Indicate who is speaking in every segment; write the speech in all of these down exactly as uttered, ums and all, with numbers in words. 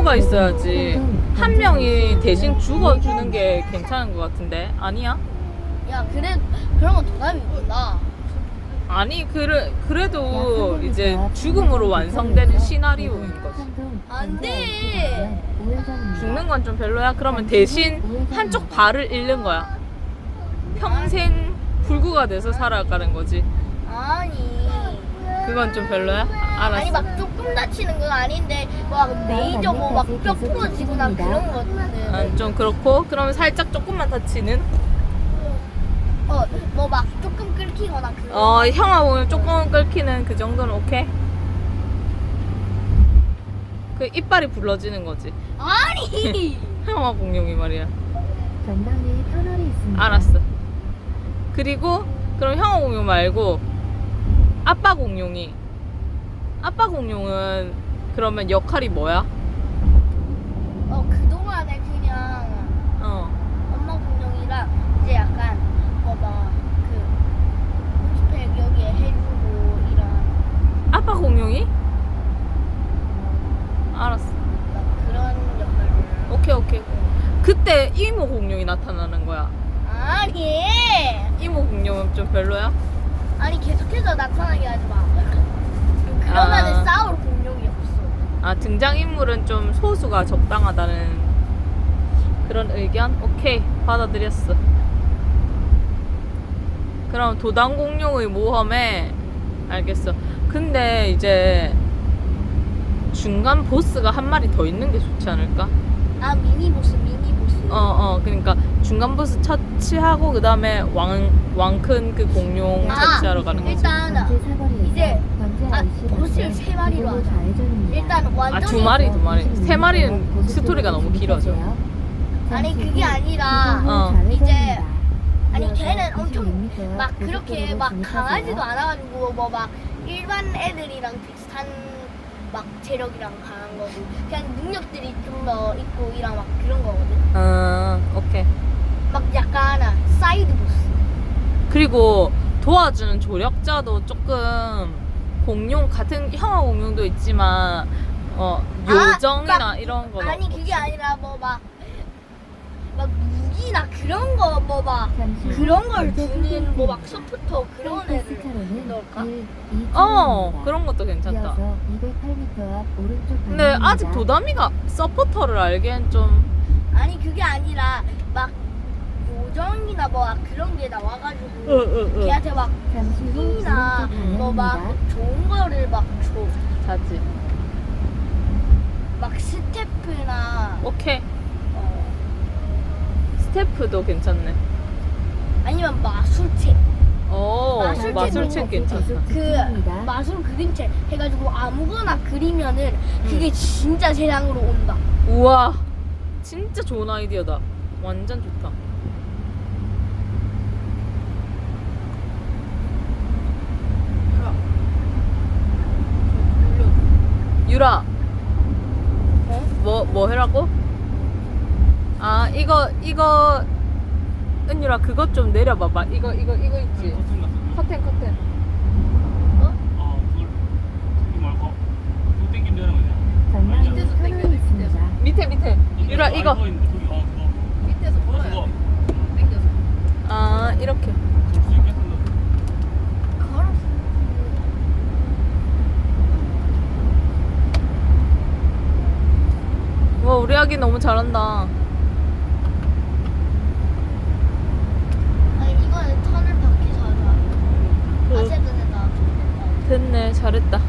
Speaker 1: 누가 있어야지. 한 명이 대신 죽어주는 게 괜찮은 것 같은데 아니야?
Speaker 2: 야 그래 그런 건 도담이 있구나.
Speaker 1: 아니 그래, 그래도 이제 죽음으로 완성되는 시나리오인 거지.
Speaker 2: 안돼.
Speaker 1: 죽는 건 좀 별로야? 그러면 대신 한쪽 발을 잃는 거야. 평생 불구가 돼서 살아가는 거지.
Speaker 2: 아니.
Speaker 1: 그건 좀 별로야? 알았어.
Speaker 2: 아니 막 조금 다치는 건 아닌데 막 메이저 뭐 막 뼈 부러지거나 그런 거는
Speaker 1: 아, 좀 그렇고 그러면 살짝 조금만 다치는?
Speaker 2: 어뭐 막 조금 끓기거나 그런
Speaker 1: 어 형아 보면 조금 끓기는 그 정도는 오케이? 그 이빨이 불러지는 거지.
Speaker 2: 아니
Speaker 1: 형아 공룡이 말이야.
Speaker 3: 전방에 터널이 있습니다.
Speaker 1: 알았어. 그리고 그럼 형아 공룡 말고 아빠 공룡이 아빠 공룡은 그러면 역할이 뭐야?
Speaker 2: 어 그동안에 그냥
Speaker 1: 어.
Speaker 2: 엄마 공룡이랑 이제 약간 뭐막그 스펙 여기에 해주고 이런
Speaker 1: 아빠 공룡이? 알았어.
Speaker 2: 막 그런 역할을
Speaker 1: 오케이 오케이. 그때 이모 공룡이 나타나는 거야.
Speaker 2: 아니
Speaker 1: 이모 공룡은 좀 별로야?
Speaker 2: 아니 계속해서 나타나게 하지 마. 그러면은
Speaker 1: 아.
Speaker 2: 싸울 공룡이 없어.
Speaker 1: 아 등장인물은 좀 소수가 적당하다는 그런 의견? 오케이 받아들였어. 그럼 도당 공룡의 모험에 알겠어. 근데 이제 중간 보스가 한 마리 더 있는 게 좋지 않을까?
Speaker 2: 아 미니 보스 미니 보스.
Speaker 1: 어어 그러니까 중간 보스 처치하고 그 다음에 왕 왕큰 그 공룡
Speaker 2: 아,
Speaker 1: 처치하러 가는 거지.
Speaker 2: 일단 이제 아 보스를 세 마리로 하자. 일단 완전히
Speaker 1: 아 두 마리 두 마리 세 마리는 스토리가 너무 길어져.
Speaker 2: 아니 그게 아니라
Speaker 1: 어.
Speaker 2: 이제 아니 걔는 엄청 막 그렇게 막 강하지도 않아가지고 뭐 막 일반 애들이랑 비슷한 막 체력이랑 강한 거고 그냥 능력들이 좀 더 있고 이랑 막 그런 거거든.
Speaker 1: 어 오케이.
Speaker 2: 막 약간 사이드 보스.
Speaker 1: 그리고 도와주는 조력자도 조금 공룡 같은 형아 공룡도 있지만 어 요정이나
Speaker 2: 아, 막,
Speaker 1: 이런 거
Speaker 2: 아니 그게 아니라 뭐 막 막 무기나 그런 거 뭐 막 그런 걸 주는 뭐 막 서포터 그런 애들 넣을까?
Speaker 1: 어 그런 것도 괜찮다. 근데 아직 도담이가 서포터를 알기엔 좀
Speaker 2: 아니 그게 아니라 막 요정이나 뭐 막 그런 게 나와가지고
Speaker 1: 으으으
Speaker 2: 걔한테 막 힘이나 뭐 막 좋은 거를 막 줘.
Speaker 1: 자지.
Speaker 2: 막 스태프나
Speaker 1: 오케이.
Speaker 2: 어,
Speaker 1: 스태프도 괜찮네.
Speaker 2: 아니면 마술책.
Speaker 1: 오
Speaker 2: 마술책
Speaker 1: 마술책 괜찮다.
Speaker 2: 그 마술 그림책 해가지고 아무거나 그리면은 그게 진짜 세상으로 온다.
Speaker 1: 우와 진짜 좋은 아이디어다. 완전 좋다. 유라
Speaker 2: 어?
Speaker 1: 뭐, 뭐 해라고? 아 이거 이거 은유라 그것 좀 내려봐봐. 이거 이거 이거 있지? 커튼 커튼.
Speaker 2: 어?
Speaker 4: 어, 그걸 저기 말고 그거 땡기면 되는 거냐?
Speaker 3: 전방에
Speaker 4: 밑에서
Speaker 3: 터널이 있습니다.
Speaker 1: 밑에 밑에 유라 이거.
Speaker 4: 알고 있는데 저기 어 그거
Speaker 5: 밑에서
Speaker 4: 그거
Speaker 5: 걸어야
Speaker 4: 그거
Speaker 5: 돼. 당겨서.
Speaker 1: 아 이렇게.
Speaker 4: 줄수 있겠는데
Speaker 2: 걸었어.
Speaker 1: 와 우리 아기 너무 잘한다.
Speaker 2: 아니 이거는 턴을 바퀴서 하자.
Speaker 1: 그-
Speaker 2: 아세븐에다.
Speaker 1: 됐네 잘했다.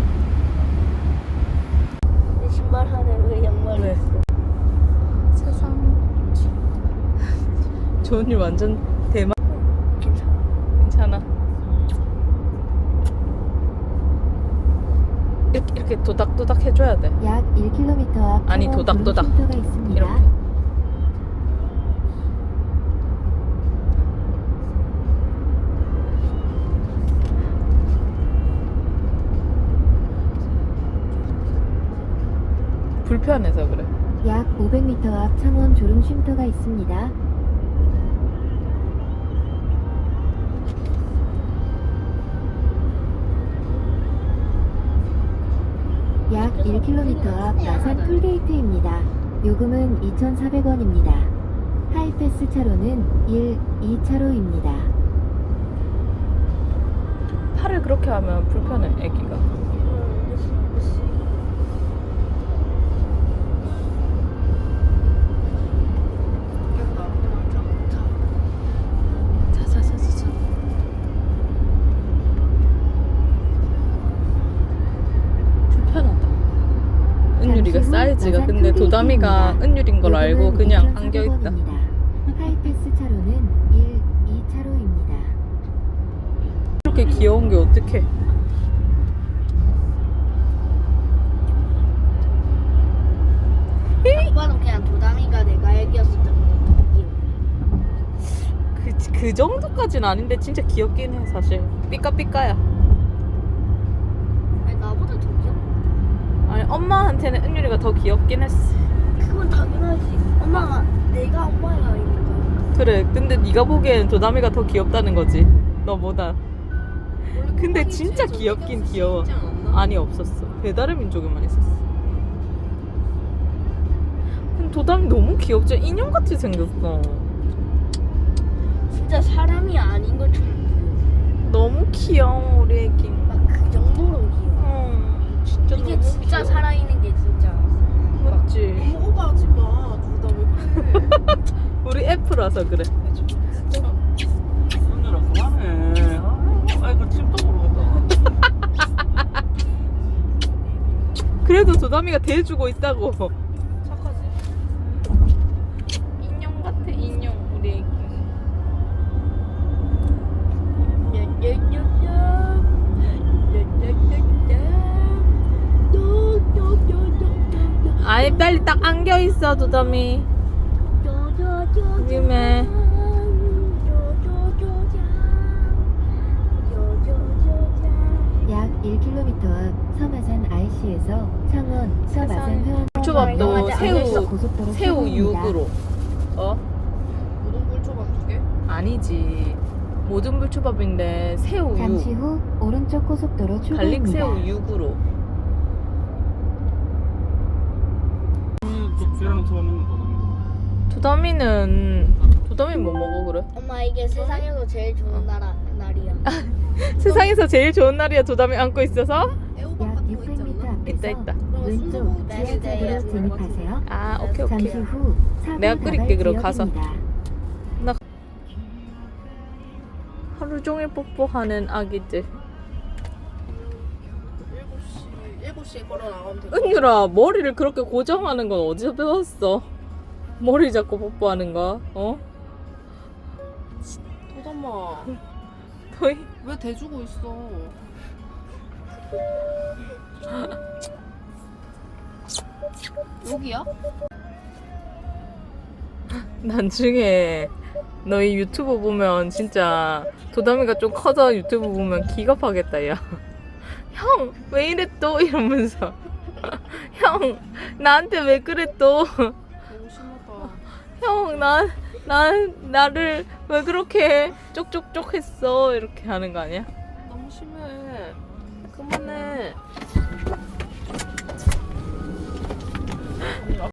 Speaker 2: 내 신발 하네 왜 양말을
Speaker 1: 왜?
Speaker 2: 했어?
Speaker 1: 세상. 조은이 완전 대박.
Speaker 2: 괜찮아.
Speaker 1: 괜찮아. 이렇게 이렇게 도닥도닥 해줘야 돼.
Speaker 3: 약 일 킬로미터 앞
Speaker 1: 아니,
Speaker 3: 창원
Speaker 1: 도닥도닥.
Speaker 3: 도로쉼터가 있습니다.
Speaker 1: 이렇게. 불편해서 그래.
Speaker 3: 약 오백 미터 앞 창원 졸음 쉼터가 있습니다. 약 일 킬로미터 앞 마산 톨게이트입니다. 요금은 이천사백 원입니다. 하이패스 차로는 일, 이 차로입니다.
Speaker 1: 팔을 그렇게 하면 불편해, 애기가. 자자자자자. 불편하다. 은유리가
Speaker 3: 잠시 후
Speaker 1: 사이즈가
Speaker 3: 마산
Speaker 1: 근데 도담이가
Speaker 3: 톨게이트입니다.
Speaker 1: 은유린 걸 알고
Speaker 3: 요금은
Speaker 1: 그냥
Speaker 3: 이천사백
Speaker 1: 안겨있다.
Speaker 3: 원입니다. 하이패스 차로는 일, 이 차로입니다.
Speaker 1: 이렇게 귀여운 게 어떡해.
Speaker 2: 오빠는 그냥 도담이가 내가 애기였을 때부터 귀여워.
Speaker 1: 그, 그 정도까지는 아닌데 진짜 귀엽긴 해 사실. 삐까삐까야.
Speaker 2: 아니 나보다 더 귀여워.
Speaker 1: 아니 엄마한테는 은유리가 더 귀엽긴 했어.
Speaker 2: 그건 당연하지. 엄마가 내가 엄마가 있는
Speaker 1: 그래 근데 네가 보기엔 도담이가 더 귀엽다는 거지 너보다. 근데 진짜 귀엽긴 귀여워. 아니 없었어. 배달의 민족에만 있었어. 근데 도담이 너무 귀엽죠. 인형같이 생겼어.
Speaker 2: 거. 진짜 사람이 아닌 것처럼
Speaker 1: 너무 귀여워 우리 애기.
Speaker 2: 막 그 정도로 귀여워.
Speaker 1: 어, 진짜
Speaker 2: 이게
Speaker 1: 너무
Speaker 2: 진짜
Speaker 1: 귀여워.
Speaker 2: 살아있는 게 진짜.
Speaker 1: 맞지.
Speaker 5: 오빠 하지 마. 둘 다 왜 그래?
Speaker 1: 우리 F라서 그래.
Speaker 5: 진짜.
Speaker 4: 은유라 그만해. 아, 아이고 침도 모르겠다.
Speaker 1: 그래도 도담이가 대해주고 있다고.
Speaker 5: 착하지?
Speaker 1: 인형 같아 인형 우리 애기. 아니 빨리 딱 안겨 있어 도담이. 위험해.
Speaker 3: 약 일 킬로미터 앞 서마산 아이씨에서 창원 서마산 회원
Speaker 1: 초밥도
Speaker 2: 맞아.
Speaker 1: 새우
Speaker 3: 고속도로
Speaker 1: 새우
Speaker 3: 출구입니다.
Speaker 1: 육으로. 어?
Speaker 5: 우동 굴초밥 두 개?
Speaker 1: 아니지. 모든 불초밥인데 새우
Speaker 3: 잠시
Speaker 1: 육.
Speaker 3: 후 오른쪽 고속도로 출구입니다.
Speaker 1: 갈릭 새우 육으로.
Speaker 4: 그 계란 초밥 먹는 거.
Speaker 1: 도담이는 도담이 뭐 먹어 그래?
Speaker 2: 엄마 이게 세상에서 제일 좋은 나라 날이야.
Speaker 1: 세상에서 제일 좋은 날이야 도담이 안고 있어서?
Speaker 5: 애호박
Speaker 3: 약
Speaker 5: 같은 거
Speaker 3: 육백 미터
Speaker 5: 있지 않나?
Speaker 3: 앞에서
Speaker 1: 있다, 있다.
Speaker 3: 왼쪽
Speaker 5: 순두부
Speaker 3: 지하차도로
Speaker 2: 네,
Speaker 3: 진입하세요.
Speaker 1: 아 오케이 오케이.
Speaker 3: 잠시 후 사고
Speaker 1: 내가 끓일게, 그럼
Speaker 3: 다발
Speaker 1: 가서.
Speaker 3: 지역입니다.
Speaker 1: 하루 종일 뽀뽀하는 아기들.
Speaker 5: 일곱 시 일곱 시에 걸어 나가면 돼.
Speaker 1: 은유라 머리를 그렇게 고정하는 건 어디서 배웠어? 머리 잡고 뽀뽀하는 거? 어?
Speaker 5: 도담아
Speaker 1: 너희
Speaker 5: 왜 대주고 있어? 여기야?
Speaker 1: 나중에 너희 유튜브 보면 진짜 도담이가 좀 커서 유튜브 보면 기겁하겠다 야. 형 왜 이래 또 이러면서 형 나한테 왜 그래 또
Speaker 5: 너무 심하다.
Speaker 1: 형, 나, 난, 나를 왜 그렇게 쪽쪽쪽 했어? 이렇게 하는 거 아니야?
Speaker 5: 너무 심해. 그만해.